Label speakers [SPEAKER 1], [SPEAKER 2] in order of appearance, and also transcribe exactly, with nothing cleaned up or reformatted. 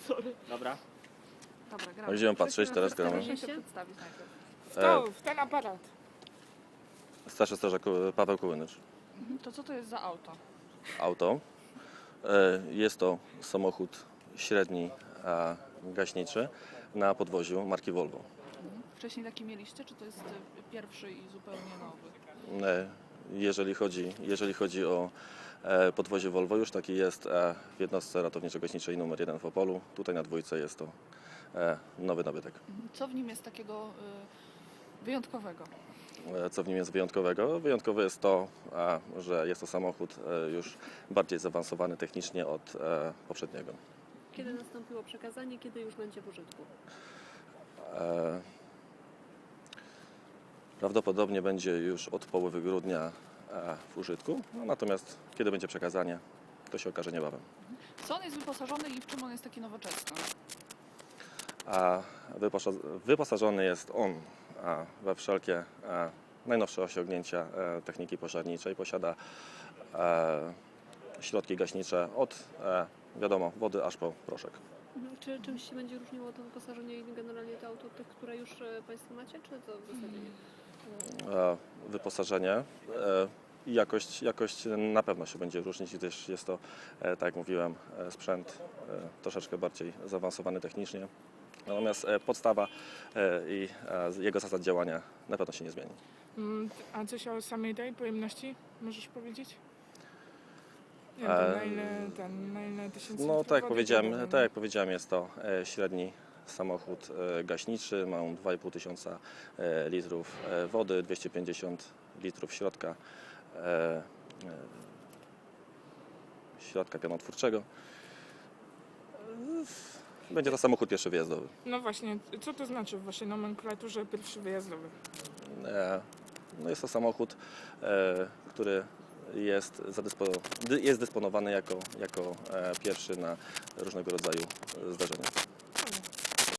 [SPEAKER 1] Sorry.
[SPEAKER 2] Dobra.
[SPEAKER 1] Dobra, gramy.
[SPEAKER 3] Będziemy patrzeć, teraz gramy.
[SPEAKER 1] Proszę się przedstawić najpierw.
[SPEAKER 4] Stał w ten aparat.
[SPEAKER 3] Starszy strażak Paweł Kołynycz.
[SPEAKER 1] Mhm. To co to jest za auto?
[SPEAKER 3] Auto. E, Jest to samochód średni, a gaśniczy na podwoziu marki Volvo.
[SPEAKER 1] Mhm. Wcześniej taki mieliście, czy to jest e, pierwszy i zupełnie nowy?
[SPEAKER 3] E, Jeżeli chodzi, jeżeli chodzi o e, podwozie Volvo, już taki jest e, w jednostce ratowniczo-gaśniczej numer jeden w Opolu. Tutaj na dwójce jest to e, nowy nabytek.
[SPEAKER 1] Mhm. Co w nim jest takiego y, wyjątkowego?
[SPEAKER 3] E, Co w nim jest wyjątkowego? Wyjątkowe jest to, e, że jest to samochód e, już bardziej zaawansowany technicznie od e, poprzedniego.
[SPEAKER 5] Kiedy nastąpiło przekazanie, kiedy już będzie w użytku?
[SPEAKER 3] E, Prawdopodobnie będzie już od połowy grudnia e, w użytku, no, natomiast kiedy będzie przekazanie, to się okaże niebawem.
[SPEAKER 1] Co on jest wyposażony i w czym on jest taki nowoczesny?
[SPEAKER 3] A wyposa- wyposażony jest on a, we wszelkie e, najnowsze osiągnięcia e, techniki pożarniczej. Posiada e, środki gaśnicze od, e, wiadomo, wody aż po proszek.
[SPEAKER 5] Mhm. Czy czymś się będzie różniło to wyposażenie i generalnie to auto od tych, które już e, Państwo macie, czy to w zasadzie nie?
[SPEAKER 3] E, Wyposażenie e, i jakość, jakość na pewno się będzie różnić, gdyż jest to, e, tak jak mówiłem, e, sprzęt e, troszeczkę bardziej zaawansowany technicznie. Natomiast e, podstawa e, i e, jego zasad działania na pewno się nie zmieni.
[SPEAKER 4] Mm, A coś o samej tej pojemności możesz powiedzieć? Nie wiem,
[SPEAKER 3] E,
[SPEAKER 4] na ile, ten, na ile tysięcy
[SPEAKER 3] No
[SPEAKER 4] litrów
[SPEAKER 3] tak jak
[SPEAKER 4] wody
[SPEAKER 3] powiedziałem,
[SPEAKER 4] wydano?
[SPEAKER 3] tak jak powiedziałem, jest to e, średni samochód e, gaśniczy, ma on dwa i pół tysiąca e, litrów e, wody, dwieście pięćdziesiąt litrów środka, e, e, środka pianotwórczego. E, Będzie to samochód pierwszy wyjazdowy.
[SPEAKER 4] No właśnie, co to znaczy w waszej nomenklaturze pierwszy wyjazdowy?
[SPEAKER 3] E, No jest to samochód, e, który jest, zadyspo, dy- jest dysponowany jako, jako e, pierwszy na różnego rodzaju zdarzenia.